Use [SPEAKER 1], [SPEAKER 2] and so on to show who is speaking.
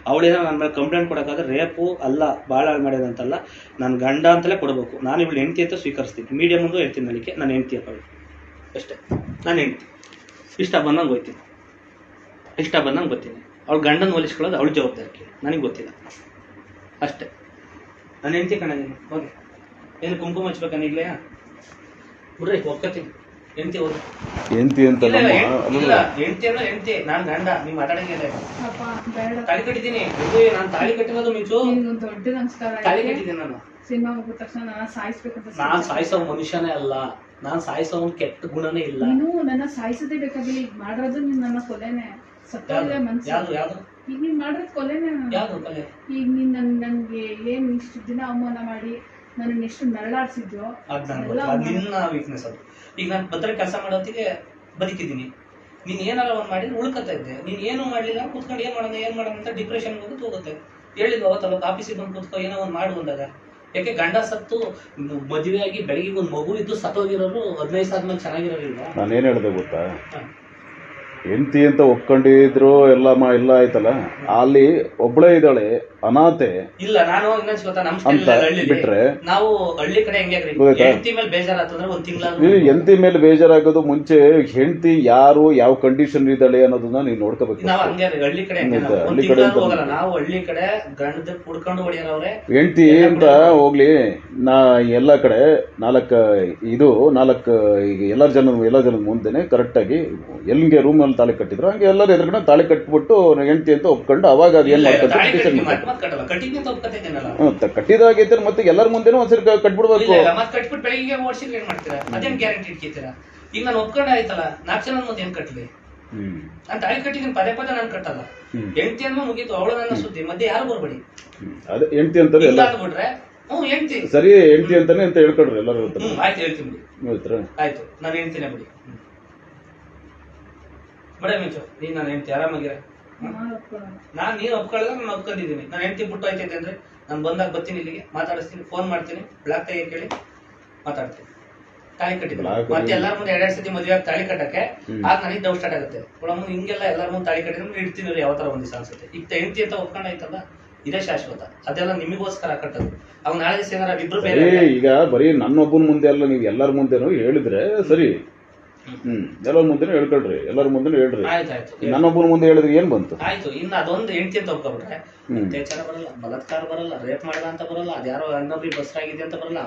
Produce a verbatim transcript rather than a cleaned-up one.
[SPEAKER 1] ಅವಳೇನೋ ನನ್ನ ಮೇಲೆ complaint ಕೊಡೋಕ್ಕಾದ್ರೆ rape ಅಲ್ಲ ಭಾಳ ಮಾಡ್ಯದಂತಲ್ಲ, ನಾನು ಗಂಡ ಅಂತಲೇ ಕೊಡಬೇಕು. ನಾನು ಇವಳು ಹೆಂಡ್ತಿ ಅಂತ ಸ್ವೀಕರಿಸ್ತೀನಿ. ಮೀಡಿಯಾ ಮುಂದೆ ಹೇಳ್ತೀನಿ, ನನಗೆ ನಾನು ಹೆಂಡ್ತಿ ಅಪ್ಪ ಅಷ್ಟೇ, ನಾನು ಹೆಂಡ್ತಿ. ಇಷ್ಟ ಬಂದಂಗೆ ಹೋಗ್ತೀನಿ, ಇಷ್ಟ ಬಂದಂಗೆ ಬರ್ತೀನಿ. ಅವಳು ಗಂಡನ ಹೋಲಿಸ್ಕೊಳ್ಳೋದು ಅವಳ ಜವಾಬ್ದಾರಿ, ನನಗೆ ಗೊತ್ತಿಲ್ಲ ಅಷ್ಟೇ. ನಾನು ಹೆಂಡ್ತಿ ಕಣದೀನಿ, ಹೋಗಿ ಏನು ಕುಂಕುಮ ಹಚ್ಬೇಕನ್ನ ಈಗಲೇ ಬಿಡ್ರಿ, ಒಪ್ಕೋತೀನಿ. ಹೆಂಡ್ತಿ ಹೋಗಿ
[SPEAKER 2] ಹೆಂಡ್ತಿ ಅಂತ
[SPEAKER 1] ಇಲ್ಲ, ಹೆಂಡ್ತಿ ಅಂದ್ರೆ ಹೆಂಡ್ತಿ, ನಾನು ಗಂಡ. ನೀವು ಮಾತಾಡಂಗಿಲ್ಲ. ತಾಳಿ ಕಟ್ಟಿದ್ದೀನಿ, ನಾನು ತಾಳಿ ಕಟ್ಟಿರೋದು ಮಿಂಚು,
[SPEAKER 3] ದೊಡ್ಡ ನಮಸ್ಕಾರ.
[SPEAKER 1] ತಾಳಿ ಕಟ್ಟಿದ್ದೀನಿ ನಾನು.
[SPEAKER 3] ಸಿನಿಮಾ ಮುಗಿದ ತಕ್ಷಣ ನಾನು ಸಾಯಿಸ್ಬೇಕಂತ.
[SPEAKER 1] ನಾನು ಸಾಯಿಸೋ ಮನುಷ್ಯನೇ ಅಲ್ಲ, ನಾನು ಸಾಯಿಸೋ ಕೆಟ್ಟ ಗುಣನೇ ಇಲ್ಲ.
[SPEAKER 3] ನೀನು ನನ್ನ ಸಾಯಿಸೋದೇ ಬೇಕಾಗಿಲ್ಲ. ಈಗ ಮಾಡಿರೋದು ನೀನು ನನ್ನ ಕೊಲೆನೆ. ಸತ್ತೋದ್ರೆ ಮನ್ಸು.
[SPEAKER 1] ಯಾವ್ದು ಯಾವ್ದು
[SPEAKER 3] ಈಗ ನೀನ್ ಮಾಡಿರೋದು ಕೊಲೆನೆ.
[SPEAKER 1] ಯಾವ್ದು ಕೊಲೆ?
[SPEAKER 3] ಈಗ ನೀನ್ ನನ್ ನನ್ಗೆ ಏನ್ ಇಷ್ಟು ದಿನ ಅವಮಾನ ಮಾಡಿ ನನ್ನ ಎಷ್ಟು ನರಳಾಡ್ಸಿದ್ಯೋ
[SPEAKER 1] ನಿನ್ನ ವೀಕ್ನೆಸ್ ಅದು. ಈಗ ನಾನು ಭದ್ರ ಕೆಲಸ ಮಾಡೋತ್ತಿಗೆ ಬದುಕಿದ್ದೀನಿ. ನೀನ್ ಏನಾರ ಒಂದ್ ಮಾಡಿದ್ರೆ ಉಳ್ಕತ್ತಾ ಇದ್ದೆ. ನೀನ್ ಏನು ಮಾಡ್ಲಿಲ್ಲ, ಕೂತ್ಕೊಂಡು ಏನ್ ಮಾಡೋಣ ಏನ್ ಮಾಡೋಣ ಅಂತ ಡಿಪ್ರೆಷನ್ ಹೋಗುತ್ತೆ ಹೋಗುತ್ತೆ. ಹೇಳಿದ್ವು ಅವತ್ತಲ್ಲ, ಆಫೀಸಿಗೆ ಬಂದು ಕೂತ್ಕೊ ಏನೋ ಒಂದ್ ಮಾಡು ಅಂದಾಗ. ಯಾಕೆ ಗಂಡ ಸತ್ತು ಮದುವೆ ಆಗಿ ಬೆಳಗ್ಗೆ ಒಂದು ಮಗು ಇದ್ದು ಸತ್ತೋಗಿರೋರು ಹದಿನೈದು ಸಾವಿರ ಮೇಲೆ ಚೆನ್ನಾಗಿರೋರಿಲ್ವಾ?
[SPEAKER 2] ನಾನೇನು ಹೇಳಿದೆ ಗೊತ್ತಾ, ಹೆಂಡ್ತಿ ಅಂತ ಒಪ್ಕೊಂಡಿದ್ರು ಎಲ್ಲ ಮಾ ಎಲ್ಲ ಆಯ್ತಲ್ಲ, ಅಲ್ಲಿ ಒಬ್ಳೇ ಇದ್ದಾಳೆ ಅನಾಥೆ
[SPEAKER 1] ಇಲ್ಲ. ನಾನು ಇನ್ನೊಂದು ಗೊತ್ತಾ, ನಮ್ಮ
[SPEAKER 2] ಅಂತ ಬಿಟ್ರೆ
[SPEAKER 1] ನಾವು ಹಳ್ಳಿ ಕಡೆ ಹೆಂಗೆ ಹೆಂಡತಿ ಮೇಲೆ ಬೇಜಾರಾತಂದ್ರೆ ಒಂದ್ ತಿಂಗಳ
[SPEAKER 2] ಹೆಂಡತಿ ಮೇಲೆ ಬೇಜಾರಾಗೋದು ಮುಂಚೆ ಹೆಂಡತಿ ಯಾರು ಯಾವ ಕಂಡೀಷನ್ ಇದ್ದಾಳೆ ಅನ್ನೋದನ್ನ ನೀವು ನೋಡ್ಕೋಬೇಕು.
[SPEAKER 1] ನಾವು ಹಂಗೆ ಹಳ್ಳಿ ಕಡೆ ಹಳ್ಳಿ ಕಡೆ ಹೋಗಲ್ಲ. ನಾವು ಹಳ್ಳಿ ಕಡೆ ಗಂಡದ ಕುಡ್ಕೊಂಡು ಹೊಡಿಯೋರವ್ರೆ.
[SPEAKER 2] ಹೆಂಡತಿ ಅಂತ ಹೋಗ್ಲಿ, ನಾ ಎಲ್ಲ ಕಡೆ ನಾಲ್ಕು ಇದು ನಾಲ್ಕು ಈಗ ಎಲ್ಲ ಜನ ಎಲ್ಲ ಜನದ ಮುಂದೆನೆ ಕರೆಕ್ಟಾಗಿ ಎಲ್ಲಿಗೆ ರೂಮ್ ತಾಳಿ ಕಟ್ಟಿದ್ರು ಹಂಗೆ ಎಲ್ಲರೂ ಎದುರುಗಡೆ ತಾಳಿ ಕಟ್ಬಿಟ್ಟು ಹೆಂಡತಿ ಅಂತ ಒಪ್ಕೊಂಡು ಅವಾಗ ಅದು ಏನ್ ಮಾಡ್ತಾರೆ ಕಟ್ಟಿದಾಗೈತೆ ಮತ್ತೆ ಎಲ್ಲರ ಮುಂದೆನೂ ಒಂದ್ಸರಿ ಕಟ್ಬಿಡ್ಬೇಕು.
[SPEAKER 1] ಕಟ್ಬಿಟ್ಟು ಬೆಳಿಗ್ಗೆ ಓಡಿಸಿದ್ರೆ ಏನ್ ಮಾಡ್ತೀರಾ? ಅದೇನ್ ಗ್ಯಾರಂಟಿ ಇಟ್ಕಿತೀರಾ? ಈಗ ನಾನು ಒಪ್ಕೊಂಡೆ ಆಯ್ತಲ್ಲ, ನಾಲ್ಕು ಜನ ಮುಂದೆ ಏನ್ ಕಟ್ಲಿ? ನಾನು ತಾಳಿ ಕಟ್ಟಿದ್ದೀನಿ, ಪದೇ ಪದೇ ನಾನು ಕಟ್ಟಲ್ಲ. ಹೆಂಡತಿ ಅನ್ನೋ ಮುಗೀತು, ಅವಳು ನನ್ನ ಸುದ್ದಿ, ಮಧ್ಯೆ ಯಾರು ಬರ್ಬೇಡಿ.
[SPEAKER 2] ಅದೇ ಹೆಂಡತಿ ಅಂತಾರೆ ಎಲ್ಲ
[SPEAKER 1] ಬಿಟ್ರೆ ಹ್ಮ್ ಹೆಂಡತಿ
[SPEAKER 2] ಸರಿ, ಹೆಂಡತಿ ಅಂತಾನೆ ಅಂತ ಹೇಳ್ಕೊಡ್ರಿ ಎಲ್ಲರೂ.
[SPEAKER 1] ಆಯ್ತು ಹೇಳ್ತೀನಿ ಬಿಡಿ, ಆಯ್ತು ನಾನು ಹೇಳ್ತೀನಿ ಬಿಡಿ. ಬಡ ಮಿಂಚು, ನೀನ್ ನಾನು ಹೆಂಡತಿ ಆರಾಮಾಗಿರ. ನಾನ್ ನೀನ್ ಒಪ್ಕೊಳ್ಳೋದ್ರೆ ನಾನು ಒಪ್ಕೊಂಡಿದ್ದೀನಿ. ನಾನು ಹೆಂಡತಿ ಬಿಟ್ಟು ಆಯ್ತೈತೆ ಅಂದ್ರೆ ನಾನು ಬಂದಾಗ ಬರ್ತೀನಿ, ಇಲ್ಲಿಗೆ ಮಾತಾಡಿಸ್ತೀನಿ, ಫೋನ್ ಮಾಡ್ತೀನಿ, ಬ್ಲಾಕ್ ತೆಗೆ ಕೇಳಿ ಮಾತಾಡ್ತೀನಿ. ತಾಳಿ ಕಟ್ಟಿದ್ದೀನಿ ಮತ್ತೆ ಎಲ್ಲರ ಮುಂದೆ ಎರಡೆರಡು ಸತಿ ಮದುವೆ ಆಗಿ ತಾಳಿ ಕಟ್ಟಕ್ಕೆ ಆಗ ನನಗೆ ಡೌಟ್ ಸ್ಟಾರ್ಟ್ ಆಗುತ್ತೆ. ಒಳಗೆ ಹಿಂಗೆಲ್ಲ ಎಲ್ಲರ ಮುಂದೆ ತಾಳಿ ಕಟ್ಟಿದ್ರೆ ಇಡ್ತೀನಿ ಯಾವ ತರ ಒಂದ್ ದಿವಸ ಅನ್ಸುತ್ತೆ. ಈಗ ಹೆಂಡತಿ ಅಂತ ಒಪ್ಕೊಂಡಾಯ್ತಲ್ಲ, ಇದೇ ಶಾಶ್ವತ. ಅದೆಲ್ಲ ನಿಮಗೋಸ್ಕರ ಕಟ್ಟೋದು. ಅವ್ ನಾಳೆ ದಿವಸ ಏನಾರ ಇಬ್ರು ಬೇರೆ.
[SPEAKER 2] ಈಗ ಬರೀ ನನ್ನೊಬ್ಬನ ಮುಂದೆ ಅಲ್ಲ, ನೀವು ಎಲ್ಲರ ಮುಂದೆನೂ ಹೇಳಿದ್ರೆ ಸರಿ. ಹ್ಮ್ ಎಲ್ಲರ ಮುಂದೆನೂ ಹೇಳ್ಕೊಳ್ರಿ, ಎಲ್ಲರ ಮುಂದೆನೂ ಹೇಳ್ರಿ.
[SPEAKER 1] ಆಯ್ತಾಯ್ತು,
[SPEAKER 2] ನನ್ನೊಬ್ಬನ ಮುಂದೆ ಹೇಳಿದ್ರೆ ಏನ್ ಬಂತು?
[SPEAKER 1] ಆಯ್ತು. ಇನ್ನು ಅದೊಂದು ಹೆಂಡತಿ ಅಂತ ಒಪ್ಕೊಬಿಟ್ರೆ ಅತ್ಯಾಚಾರ ಬರಲ್ಲ, ಬಲಾತ್ಕಾರ ಬರಲ್ಲ, ರೇಪ್ ಮಾಡಿದ ಅಂತ ಬರಲ್ಲ, ಅದ್ಯಾರೋ ಇನ್ನೊಬ್ರಿಗೆ ಬಸ್ರಾಗಿದೆ ಅಂತ ಬರಲ್ಲ,